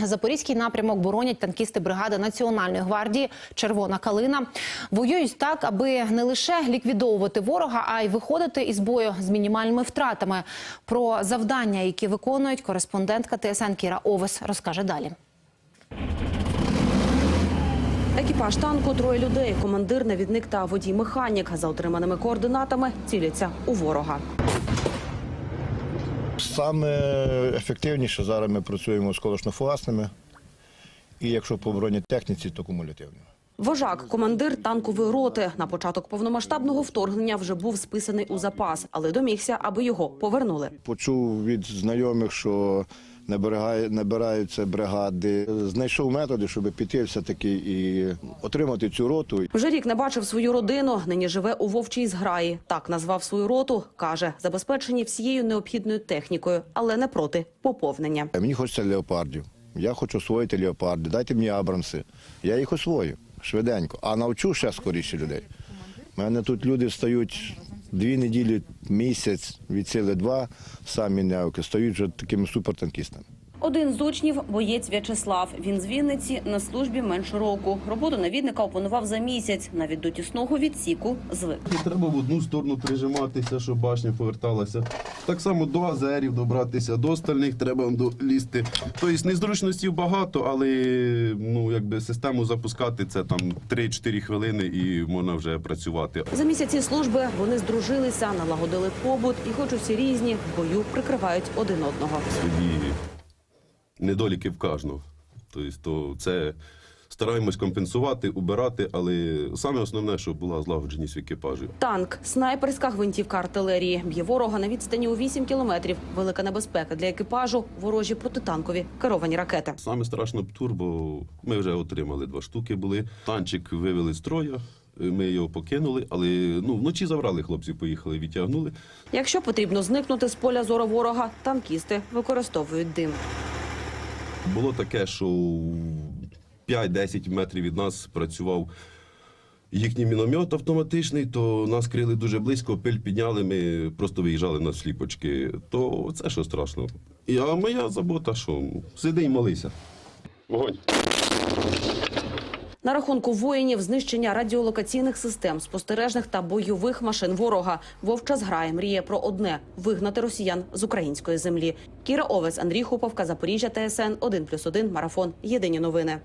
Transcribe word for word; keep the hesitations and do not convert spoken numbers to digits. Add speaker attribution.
Speaker 1: Запорізький напрямок боронять танкісти бригади Національної гвардії «Червона калина». Воюють так, аби не лише ліквідовувати ворога, а й виходити із бою з мінімальними втратами. Про завдання, які виконують, кореспондентка Т С Н Кіра Овес розкаже далі.
Speaker 2: Екіпаж танку – троє людей. Командир, навідник та водій-механік. За отриманими координатами ціляться у ворога.
Speaker 3: Саме ефективніше зараз ми працюємо з осколочно-фугасними. І якщо по бронетехніці, то кумулятивними.
Speaker 2: Вожак, командир танкової роти. На початок повномасштабного вторгнення вже був списаний у запас, але домігся, аби його повернули.
Speaker 3: Почув від знайомих, що набираються бригади. Знайшов методи, щоб піти все-таки і отримати цю роту.
Speaker 2: Вже рік не бачив свою родину, нині живе у Вовчій зграї. Так назвав свою роту, каже, забезпечені всією необхідною технікою, але не проти поповнення.
Speaker 3: Мені хочеться леопардів. Я хочу освоїти леопарди. Дайте мені абрамси. Я їх освою швиденько, а навчу ще скоріше людей. У мене тут люди стають дві неділі, місяць, від сили два, самі невки, стають вже такими супертанкістами.
Speaker 2: Один з учнів – боєць В'ячеслав. Він з Вінниці, на службі менше року. Роботу навідника опанував за місяць. Навіть до тісного відсіку звик.
Speaker 4: Треба в одну сторону прижиматися, щоб башня поверталася. Так само до азерів добратися, до остальних треба лізти. Тобто незручностей багато, але ну, якби систему запускати – це там три-чотири хвилини і можна вже працювати.
Speaker 2: За місяці служби вони здружилися, налагодили побут і, хоч усі різні, в бою прикривають один одного.
Speaker 4: Свої недоліки в кожного. Тобто, то це стараємось компенсувати, убирати, але саме основне, щоб була злагодженість в екіпажі.
Speaker 2: Танк – снайперська гвинтівка артилерії. Б'є ворога на відстані у вісім кілометрів. Велика небезпека для екіпажу – ворожі протитанкові керовані ракети.
Speaker 4: Саме страшно птур, бо ми вже отримали два штуки були. Танчик вивели з строя. Ми його покинули, але ну, вночі забрали хлопців, поїхали, відтягнули.
Speaker 2: Якщо потрібно зникнути з поля зору ворога, танкісти використовують дим.
Speaker 4: Було таке, що п'ять-десять метрів від нас працював їхній міномет автоматичний, то нас крили дуже близько, пиль підняли, ми просто виїжджали на сліпочки. То це що страшно. І, а моя забота, що сиди і молися. Вогонь.
Speaker 2: На рахунку воїнів знищення радіолокаційних систем, спостережних та бойових машин ворога. Вовча зграя мріє про одне – вигнати росіян з української землі. Кіра Овес, Андрій Хуповка, Запоріжжя, Т С Н один плюс один, Марафон. Єдині новини.